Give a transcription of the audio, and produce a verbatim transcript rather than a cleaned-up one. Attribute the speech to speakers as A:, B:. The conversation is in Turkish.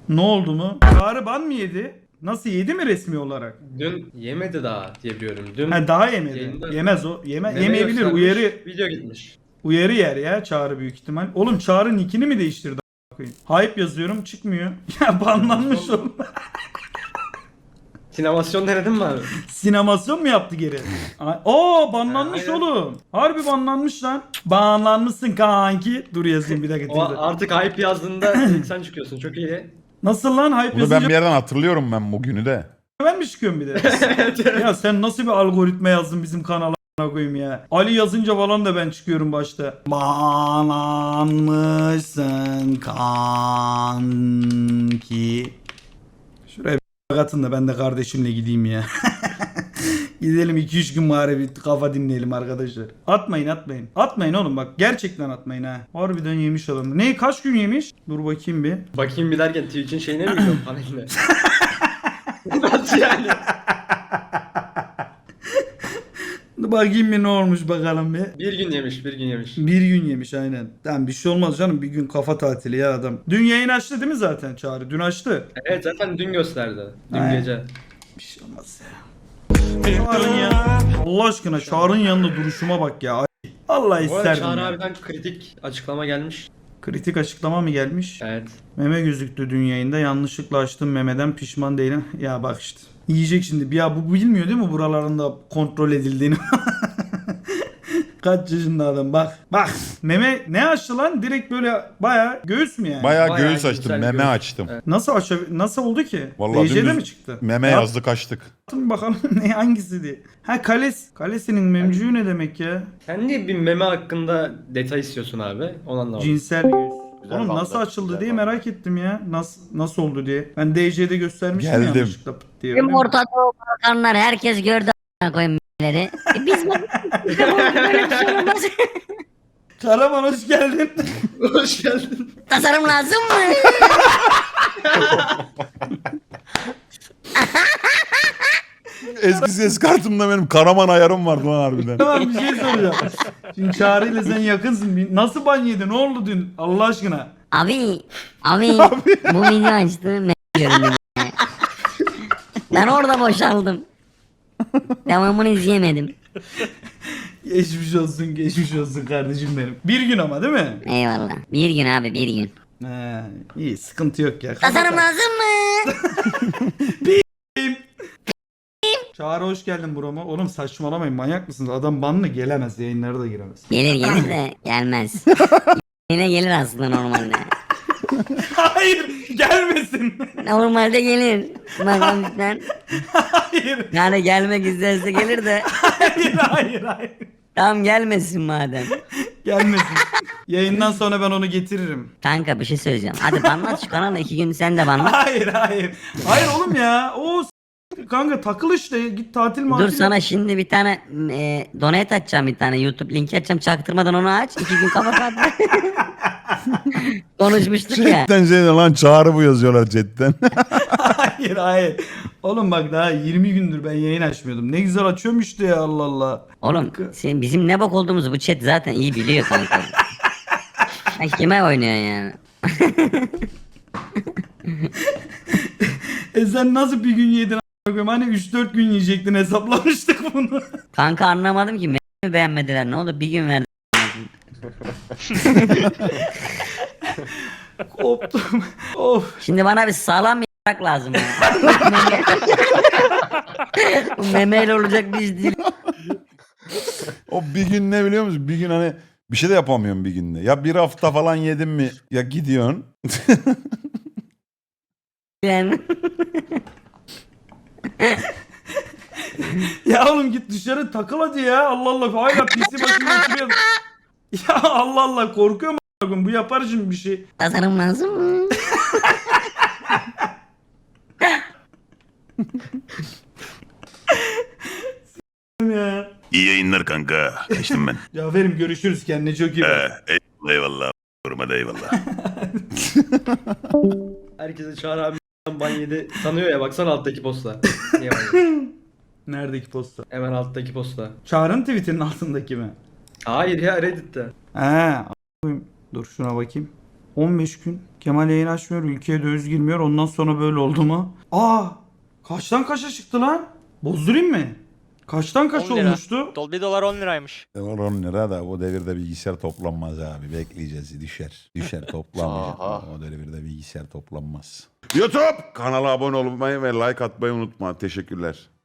A: Ne oldu mu? Çağrı ban mı yedi? Nasıl yedi mi resmi olarak?
B: Dün yemedi daha diyebiliyorum. Dün
A: Ha daha yemedi.
B: yayında
A: Yemez o. Yeme
B: meme
A: yemeyebilir.
B: göstermiş,
A: Uyarı
B: video gitmiş.
A: uyarı yer ya Çağrı büyük ihtimal. Oğlum Çağrı nickini mi değiştirdi a**ına koyayım? Hype yazıyorum çıkmıyor. Ya banlanmış oğlum.
B: Sinemasyon denedin mi abi?
A: Sinemasyon mu yaptı geri? Ay- Oo banlanmış
B: Ha, aynen.
A: oğlum. Harbi banlanmış lan. Banlanmışsın kanki. Dur yazayım bir dakika.
B: O
A: Twitter.
B: artık hype yazdığında ilk sen çıkıyorsun. Çok iyi.
A: Nasıl lan hype
C: Bunu
A: yazınca
C: ben bir yerden hatırlıyorum ben bugünü de.
A: ben mi çıkıyorum bir de? Ya sen nasıl bir algoritma yazdın bizim kanala a**ına koyayım ya. Ali yazınca falan da ben çıkıyorum başta. Banlanmışsın kanki. Şuraya bir atın da ben de kardeşimle gideyim ya. Gidelim iki üç gün bari bir kafa dinleyelim arkadaşlar. Atmayın atmayın. Atmayın oğlum bak gerçekten atmayın ha. Harbiden yemiş adam. Ne kaç gün yemiş? Dur bakayım bir.
B: Bakayım bir derken Twitch'in şeyine mi gidiyorum paneline? Nasıl yani?
A: Dur bakayım bir ne olmuş bakalım bir.
B: Bir gün yemiş, bir gün yemiş.
A: Bir gün yemiş aynen. Tamam bir şey olmaz canım bir gün kafa tatili ya adam. Dün yayın açtı değil mi zaten Çağrı? Dün açtı.
B: Evet zaten dün gösterdi. Dün
A: Aynen.
B: gece.
A: Bir şey olmaz ya. Çağrı'nın ya. Allah aşkına Çağrı'nın yanında duruşuma bak ya. Ay, Allah
B: Bu arada
A: isterdim
B: Çağrı
A: ya.
B: abiden kritik açıklama gelmiş.
A: Kritik açıklama mı gelmiş?
B: Evet.
A: Meme gözüktü dün yayında. Yanlışlıkla açtım memeden pişman değilim. Ya bak işte. Yiyecek şimdi. Ya bu bilmiyor değil mi buralarında kontrol edildiğini? Kaç yaşında adam bak. Bak. Meme ne açtı lan? Direkt böyle baya göğüs mü yani?
C: Bayağı,
B: Bayağı
C: göğüs açtım,
B: güzel
C: meme
B: göğüs.
C: açtım.
B: Evet.
A: Nasıl aç nasıl oldu ki?
C: Vallahi
A: D J'de
C: dümdüz
A: mi çıktı?
C: Meme
A: Ya,
C: yazdık açtık.
A: Attım bakalım ne hangisi diye. Ha kales. Kalesinin memcüğü ne demek ya?
B: Sen niye bir meme hakkında detay istiyorsun abi? Onu anlamadım.
A: Cinsel göğüs.
D: Güzel
A: Oğlum
D: bandı,
A: nasıl açıldı
D: güzel
A: diye
D: bandı.
A: merak ettim ya. Nasıl nasıl oldu diye. Ben D J'de göstermiştim
C: Geldim.
A: yanlışlıkla pıt diye. öyle
E: Tüm
A: mi?
E: Orta Doğu Balkanlar herkes gördü a**ına koyayım m***leri. E biz bak işte bu böyle bir şey olmaz.
A: Karaman hoş geldin.
B: Hoş geldin.
E: Tasarım lazım mı?
C: Eski ses kartımda benim Karaman ayarım vardı lan harbiden.
A: Tamam bir şey soracağım. Şimdi Çağrı ile sen yakınsın. Bir- Nasıl ban yedin? Ne oldu dün? Allah aşkına.
E: Abi, abi, bu video açtı m*** diyorum bir de. Ben orada boşaldım. Devamını izleyemedim.
A: Geçmiş olsun, geçmiş olsun kardeşim benim. Bir gün ama değil mi?
E: Eyvallah. Bir gün abi bir gün.
A: He, iyi sıkıntı yok ya.
E: Tasarım lazım mı?
A: Çağrı hoş geldin burama. Oğlum saçmalamayın manyak mısınız? Adam banlı gelemez yayınlara da giremez.
E: Gelir gelir de gelmez. Yine gelir aslında normalde.
A: Hayır gelmesin.
E: Normalde gelir. Bakalım lütfen.
A: Hayır.
E: Yani gelmek isterse gelir de.
A: Hayır hayır hayır.
E: Tamam gelmesin madem.
A: Gelmesin. Yayından sonra ben onu getiririm.
E: Kanka bir şey söyleyeceğim. Hadi banlat şu kanalı iki gün sen de banlat.
A: Hayır hayır. Hayır oğlum ya. O s- kanka takıl işte. Git tatil matil.
E: Dur sana şimdi bir tane e, donate açacağım bir tane YouTube linki açacağım çaktırmadan onu aç. iki gün kafa kaldı. Konuşmuştuk ya.
C: Chatten şey de lan Çağrı bu yazıyorlar chatten.
A: Hayır hayır. Oğlum bak daha yirmi gündür ben yayın açmıyordum. Ne güzel açıyormuştu ya Allah Allah.
E: Oğlum sen bizim ne bok olduğumuzu bu chat zaten iyi biliyor kanka. Sen kime oynuyorsun yani?
A: E sen nasıl bir gün yedin a**ına koyayım? Hani üç dört gün yiyecektin hesaplamıştık bunu.
E: Kanka anlamadım ki mi beğenmediler ne oldu bir gün verdim.
A: Koptum. Of.
E: Şimdi bana bir sağlam bir y**ak lazım ya. Bu memeyle olacak bir iş değil.
C: O bir gün ne biliyor musun? Bir gün hani bir şey de yapamıyorum bir günde. Ya bir hafta falan yedim mi ya gidiyorsun.
E: Yani.
A: Ya oğlum git dışarı takıl hadi ya. Allah Allah. Hala P C başında oturuyor. Ya Allah Allah korkuyorum a**ına koyayım. Bu yapar şimdi bir şey.
E: Tasarım lazım mı?
A: Ya.
F: İyi yayınlar kanka. Kaçtım ben.
A: Cafer'im görüşürüz kendine çok iyi bak.
F: Ee, eyvallah eyvallah. Koruma da eyvallah.
B: Herkese Çağrı abi ban yedi sanıyor ya baksana alttaki posta. Niye ban yedi?
A: Neredeki posta?
B: Hemen alttaki posta.
A: Çağrı'nın tweetinin altındaki mi?
B: Hayır ya Reddit'te.
A: He. a**ına koyayım. Dur şuna bakayım. on beş gün. Kemal yayın açmıyor. Ülkeye döviz girmiyor. Ondan sonra böyle oldu mu? Aa! Kaçtan kaça çıktı lan? Bozdurayım mı? Kaçtan kaç
D: on lira.
A: olmuştu?
D: Dol- Bir dolar on liraymış.
C: Dolar on lira da o devirde bilgisayar toplanmaz abi. Bekleyeceğiz. Düşer. Düşer toplamayacak.
G: Aha.
C: O devirde bilgisayar toplanmaz. YouTube kanala abone olmayı ve like atmayı unutma. Teşekkürler.